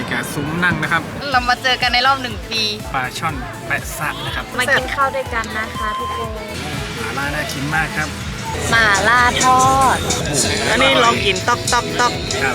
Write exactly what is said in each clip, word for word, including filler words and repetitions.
แก่ซุ้มนั่งนะครับเรามาเจอกันในรอบหนึ่งปีปลาช่อนแปะซะนะครับมากินข้าวด้วยกันนะคะทุกคนหม่าล่าน่ากินมากครับหม่าล่าทอดอันนี้ลองกินต๊อกต๊อกต๊อกครับ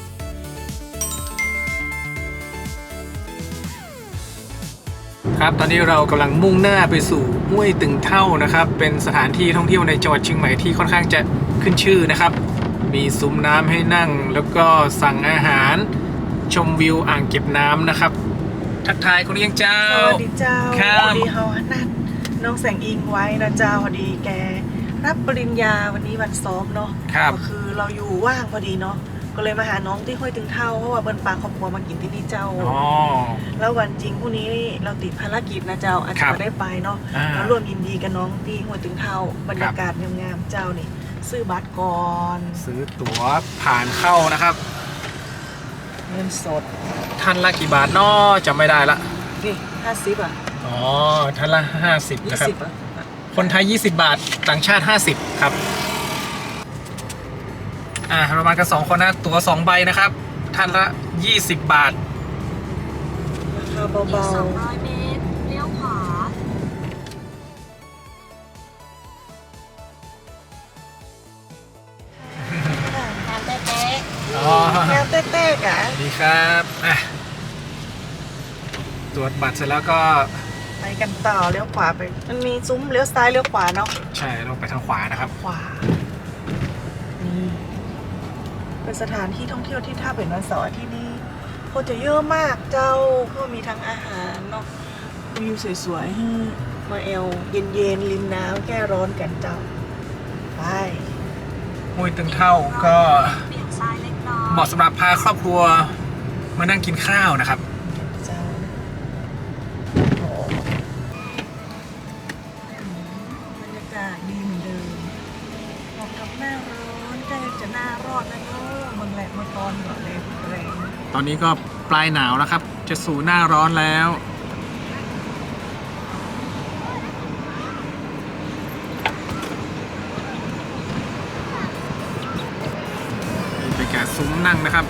ครับตอนนี้เรากำลังมุ่งหน้าไปสู่ห้วยตึงเท่านะครับเป็นสถานที่ท่องเที่ยวในจังหวัดเชียงใหม่ที่ค่อนข้างจะขึ้นชื่อนะครับมีซุ้มน้ำให้นั่งแล้วก็สั่งอาหารชมวิวอ่างเก็บน้ำนะครับทักทายคุณเลี้ยงเจ้าสวัสดีเจ้าครับพอดีเฮานัดน้องแสงอิงไว้นะเจ้าพอดีแกรับปริญญาวันนี้วันซ้อมเนาะก็คือเราอยู่ว่างพอดีเนาะก็เลยมาหาน้องที่ห้วยตึงเท่าเพราะว่าเบิ้ลปลาครอบครัวมากินที่นี่เจ้าแล้ววันจริงพรุ่งนี้เราติดภารกิจนะเจ้าอาจจะไม่ได้ไปเนาะแล้วร่วมยินดีกับน้องที่ห้วยตึงเท่าบรรยากาศงามๆเจ้านี่ซื้อบัตรก่อนซื้อตั๋วผ่านเข้านะครับเงินสดท่านละกี่บาทเนาะจำไม่ได้ละนี่ห้าสิบอ่ะอ๋อท่านละห้าสิบนะครับคนไทยยี่สิบบาทต่างชาติห้าสิบครับอ่าประมาณกันสองคนนะตั๋วสองใบนะครับท่านละยี่สิบบาทราคาเบาๆสองร้อยเมตรเลี้ยวขวาแฮมเต้เต้อ๋อแฮมเต้เต้กะดีครับอ่ะตรวจบัตรเสร็จแล้วก็ไปกันต่อเลี้ยวขวาไปมันมีซุ้มเลี้ยวซ้ายเลี้ยวขวาเนาะใช่เราไปทางขวานะครับขวานี่เป็นสถานที่ท่องเที่ยวที่ถ้าเป็นวันเสาร์ที่นี่คนจะเยอะมากเจ้าก็มีทั้งอาหารเนาะวิวสวยๆให้มาเอลเย็นๆริมน้ำแก้ร้อนกันเจ้าไปห้วยตึงเท่าก็เหมาะสำหรับพาครอบครัวมานั่งกินข้าวนะครับเจ้าบรรยากาศดีเหมือนเดิมเหมาะกับหน้าร้อนใกล้จะหน้ารอดแล้วเนาะเมืองแหลกเมืองตอนก่อนเลยแรงตอนนี้ก็ปลายหนาวแล้วครับจะสู่หน้าร้อนแล้วไปแก่ซุ้มนั่งนะครับ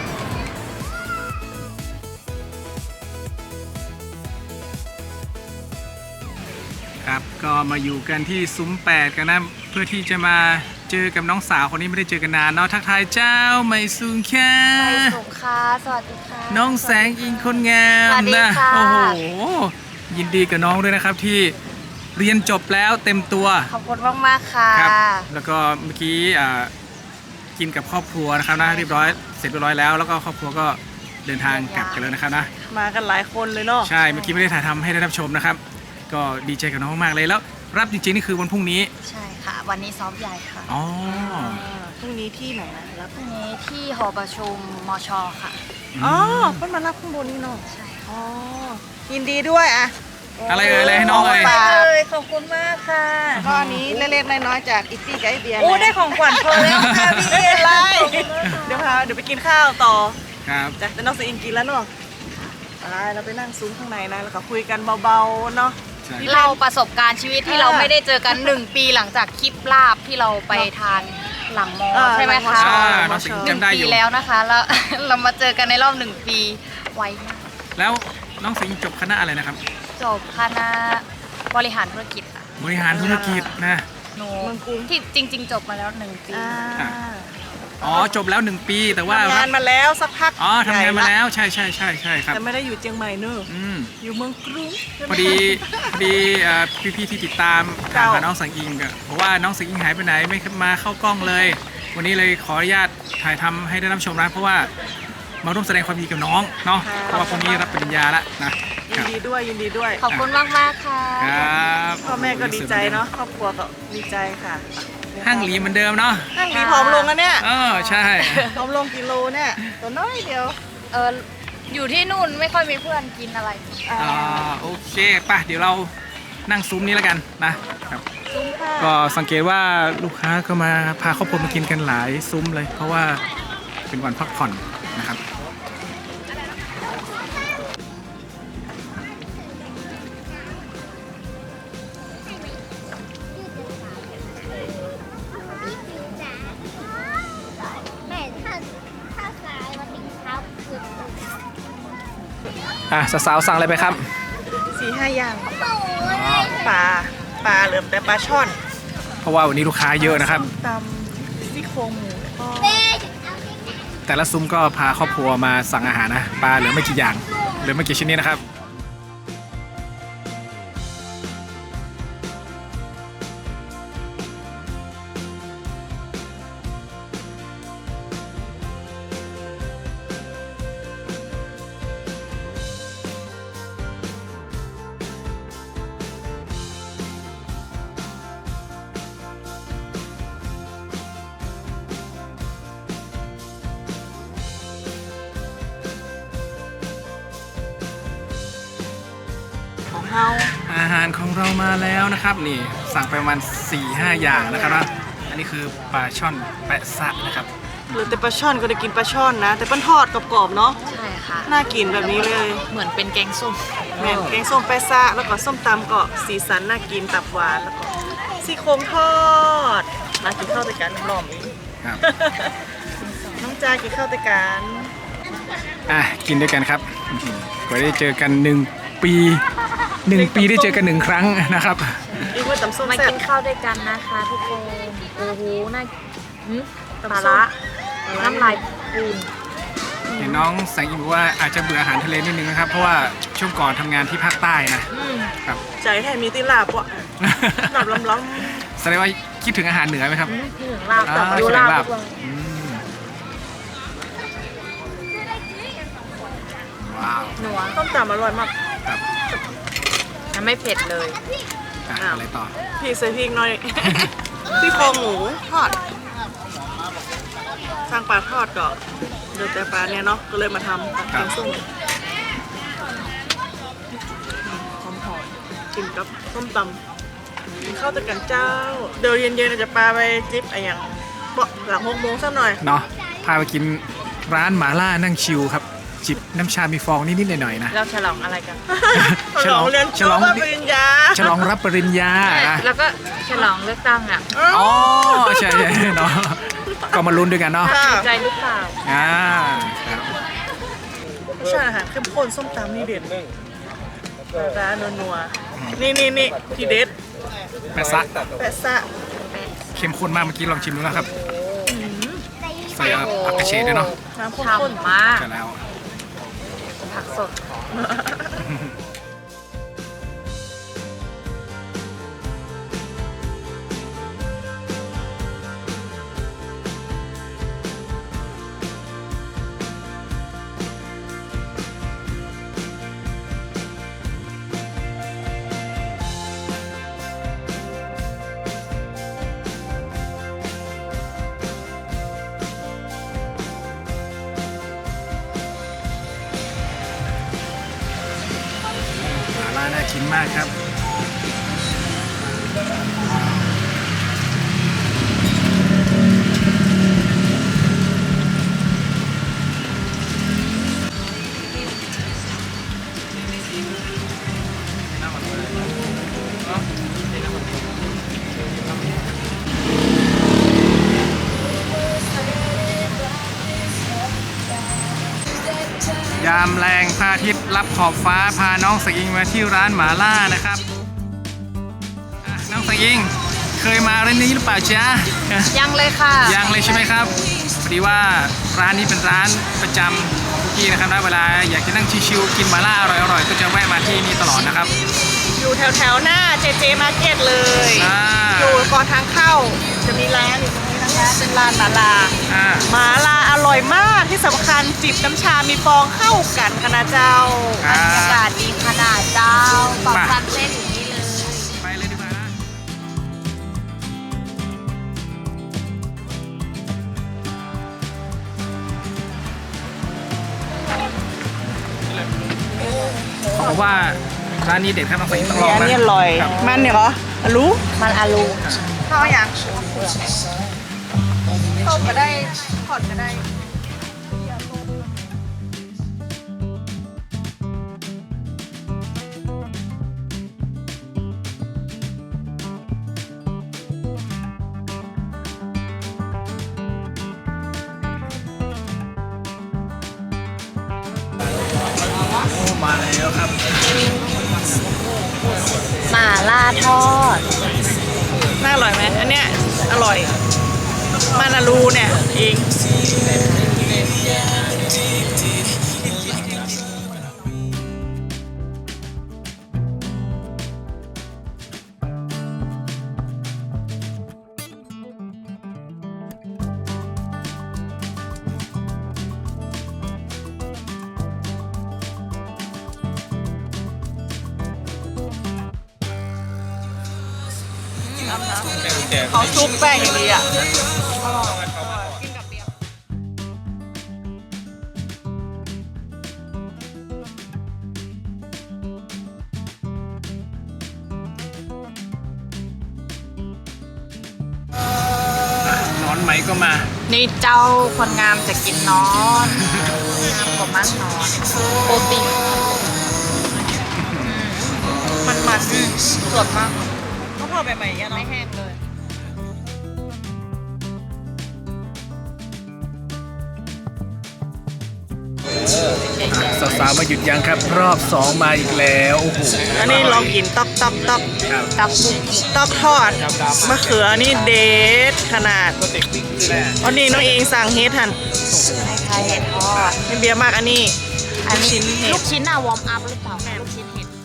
ครับก็มาอยู่กันที่ซุ้มแปดกันนะเพื่อที่จะมาเจอกับน้องสาวคนนี้ไม่ได้เจอกันนานเนาะทักทายเจ้าไมซุงค่ะไมซุงค่ะสวัสดีค่ะน้องแสงอิงคนงามนะโอ้โหยินดีกับน้องด้วยนะครับที่เรียนจบแล้วเต็มตัวขอบคุณมากๆค่ะครับแล้วก็เมื่อกี้กินกับครอบครัวนะครับนะเรียบร้อยเสร็จเรียบร้อยแล้วแล้วก็ครอบครัวก็เดินทางกลับกันแล้วนะครับนะมากันหลายคนเลยเนาะใช่เมื่อกี้ไม่ได้ถ่ายทำให้ได้รับชมนะครับก็ดีใจกับน้องมากเลยแล้วรับจริงๆนี่คือวันพรุ่งนี้ใช่ค่ะวันนี้ซ้อมใหญ่ค่ะอ๋อพรุ่งนี้ที่ไหนนะรับพรุ่งนี้ที่หอประชุมมช.ค่ะอ๋อเพิ่งมารับข้างบนนี่เนาะใช่อ๋อยินดีด้วยอะอะไรเอ่ยอะไรให้น้องเลยขอบคุณมากค่ะก็อันนี้เล็กๆน้อยๆจากอิตตี้กับไอเบียร์โอ้ได้ของขวัญเพิ่มแล้วค่ะพี่เอไรเดี๋ยวพาเดี๋ยวไปกินข้าวต่อครับจ้ะแต่น้องสอิงกินแล้วเนาะไปเราไปนั่งซุ้มข้างในนะแล้วก็คุยกันเบาๆเนาะเราประสบการณ์ชีวิตที่เราไม่ได้เจอกันหนึ่งปีหลังจากคลิปลาบที่เราไปทานหลังมอใช่ไหมคะหนึ่งปีแล้วนะคะแล้วเรามาเจอกันในรอบหนึ่งปีไวมากแล้วน้องสิงจบคณะอะไรนะครับจบคณะบริหารธุรกิจค่ะบริหารธุรกิจนะหนูที่จริงๆจบมาแล้วหนึ่งปีอ๋อจบแล้วหนึ่งปีแต่ว่าทำงานมาแล้วสักพักอ๋อทำงานมาแล้วใช่ใช่ใช่ใช่ครับแต่ไม่ได้อยู่เชียงใหม่เนอะอยู่เมืองกรุงพอดีพอดีพี่ๆที่ติดตามถามหาน้องสังอิงก็บอกว่าน้องสังอิงหายไปไหนไม่มาเข้ากล้องเลยวันนี้เลยขออนุญาตถ่ายทำให้ได้รับชมนะเพราะว่ามาร่วมแสดงความดีกับน้องเนาะเพราะว่าพรุ่งนี้รับปริญญาแล้วนะยินดีด้วยยินดีด้วยขอบคุณมากมากค่ะครับพ่อแม่ก็ดีใจเนาะครอบครัวก็ดีใจค่ะห้างหลีเหมือนเดิมเนาะห้างหลีผอมลงนะเนี่ยเออใช่ผอมลงกิโลเนี่ยตัวน้อยเดียวเอออยู่ที่นู่นไม่ค่อยมีเพื่อนกินอะไรอ่าโอเคป่ะเดี๋ยวเรานั่งซุ้มนี้แล้วกันนะครับก็สังเกตว่าลูกค้าก็มาพาครอบครัวมากินกันหลายซุ้มเลยเพราะว่าเป็นวันพักผ่อนนะครับอ่ะสาวๆสั่งอะไรไปครับสี่ห้าอย่างปลาปลาเหลือแต่ปลาช่อนเพราะว่าวันนี้ลูกค้าเยอะนะครับตำซี่โครงหมูแล้วก็แต่ละซุ้มก็พาครอบครัวมาสั่งอาหารนะปลาเหลือไม่กี่อย่างเหลือไม่กี่ชนิดนะครับของเฮาอาหารของเรามาแล้วนะครับนี่สั่งไปประมาณ สี่ห้า อย่างนะครับนะอันนี้คือปลาช่อนแปะซะนะครับเหลือแต่ปลาช่อนก็ได้กินปลาช่อนนะ แต่เป็นทอดกรอบๆเนาะใช่ค่ะน่ากินแบบนี้เลยเหมือนเป็นแกงส้มแม่นแกงส้มแปะซะแล้วก็ส้มตำก็สีสันน่ากินตับหวานแล้วก็ซี่โครงทอดมากินข้าวแต่กันน้ำหลอมอีกครับน้องจากินข้าวแต่กันอ่ะกินด้วยกันครับกว่าได้เจอกันหนึ่งปีหนึ่งปีได้เจอกันหนึ่งครั้งนะครับอีกว่าตำส้มมาแซ่บกินข้าวด้วยกันนะคะทุกคนโอ้โหน่าหืมตำปลาส้ละมน้ำลายปูนเห็นน้องแสงอิมบอกว่าอาจจะเบื่ออาหารทะเลนิดนึงนะครับเพราะว่าช่วงก่อนทำงานที่ภาคใต้นะอืมครับใจแทนมีติลาบวะหลับล้ำแสดงว่าคิดถึงอาหารเหนือไหมครับอืมพี่ถึงลาบอ่าแต่ดูคิดถึลาง บลาบทุกวันอืมว้าวหนัวๆต้มตำอร่อยมากครับมันไม่เผ็ดเลยอ่ะอ้าวอะไรต่อพี่ใส่พริกหน่อย ซี่โครงหมูทอดสร้างปลาทอดก่อนเดือดแต่ปลาเนี่ยเนาะก็เลยมาทำแกงส้มหอมๆกินกับส้มตำกินข้าวตะกันเจ้า เดี๋ยวเย็นๆอาจจะปลาไปจิ๊บอะไรอย่างเปาะหลังหกโมงสักหน่อยเนาะพาไปกินร้านหมาล่านั่งชิลครับจิบน้ำชามีฟองนิดๆหน่อยๆนะเราฉลองอะไรกันฉลองเรียนฉลองจบปริญญาฉลองรับปริญญานะแล้วก็ฉลองเลือกตั้งอ่ะอ๋อใช่ใช่เนาะก็มาลุ้นด้วยกันเนาะค่ะถูกใจหรือเปล่าอ่าครับรสชาติอาหารเข้มข้นส้มตำนี่เด็ดร้านนัวๆนี่นี่นี่ทีเด็ดแปะซะแปะซะเข้มข้นมากเมื่อกี้ลองชิมดูแล้วครับใส่ผักกระเฉดด้วยเนาะน้ำข้นฉ่ำมากใช่แล้วผักสดหมาล่าน่ากินมากครับ ยามแรงพระอาทิตย์รับขอบฟ้าพาน้องสกิงมาที่ร้านหมาล่านะครับอ่ะน้องสกิงเคยมาร้านนี้หรือเปล่าจ๊ะยังเลยค่ะยังเลยใช่ไหมครับพอดีว่าร้านนี้เป็นร้านประจำของทุกที่นะครับนะเวลาอยากจะนั่งชิวๆกินหมาล่าอร่อยๆก็จะแวะมาที่นี่ตลอดนะครับๆอยู่แถวแถวๆหน้าเจเจมาร์เก็ตเลยอ่าอยู่ก่อนทางเข้า จะมีร้านอยู่ตรงนี้นะคะ เป็นร้านหมาลาอ่าหมาลาอร่อยมากที่สำคัญจิบน้ำชา มีฟองเข้ากันคณะเจ้าครับบรรยากาศดีขนาดเจ้าปอกมาซันเส้นอย่างนี้เลยไปเลยดีกว่านะเขาบอกว่าร้านนี้เด็ดครับน้องสกิงต้องลองอันนะนี้อร่อยครับมันเนี่ยเหรออะรู้มันอาลูข้าวอย่างต้มก็ได้ทอดก็ได้มาแล้วครับหม่าล่าทอดน่าอร่อยไหมอันเนี้ยอร่อย มานารูเนี่ยเอง เขาชุบแป้งอย่างดีอ่ะกินกับเบียร์นอนไหมก็มานี่เจ้าคนงามจะกินนอนงามกว่ามั่งนอนโปรตีนมันมันอืมสดมากเขาพอใหม่ๆอย่างเงี้ยไม่เนาะแห้งเลยสาวๆมาหยุดยังครับ รอบสองมาอีกแล้วโอ้โหอันนี้ลองกินต๊อกต๊อกต๊อกครับตับบุกต๊อกทอดมะเขือนี่เด็ดขนาดก็เด็กวิ่งแหละอันนี้น้องเองสั่งเฮ็ดทันคล้ายๆเห็ดทอดไม่เบียร์มากอันนี้อันนี้ลูกชิ้นเห็ดลูกชิ้นอะวอร์มอัพหรือเปล่าลูกชิ้นเห็ด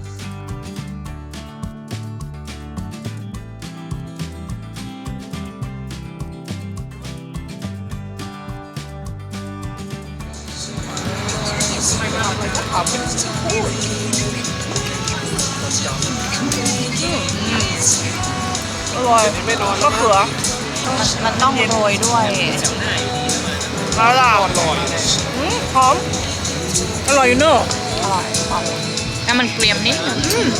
อร่อยมะเขือมันมันต้องโรยด้วยมาล่ะอืมหอม อร่อยอยู่เนอะอร่อยอร่อยแล้วมันเกรียมนิดนึง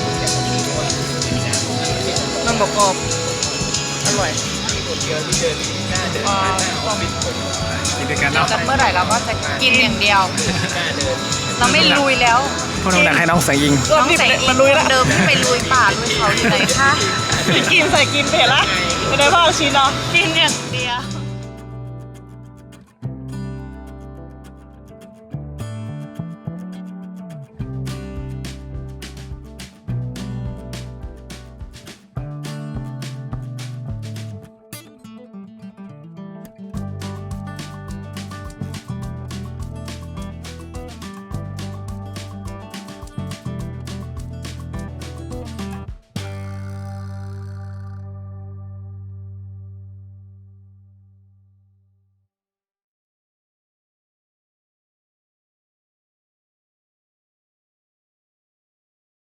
มันบอกกรอบอร่อยอ่ากินด้วยกันเนาะกับเมื่อไหร่เราก็จะกินอย่างเดียว เราไม่ลุยแล้วพวกน้องหนักให้น้องแสงยิงก็น้องนี่ใส่อิมาน ลุยละเดิมที่ไปลุยป่าลุยเขาอยู่ไหนคะกินใส่กินเผ็ดละไม่ได้พ่อชิ้นเนาะกินอย่าง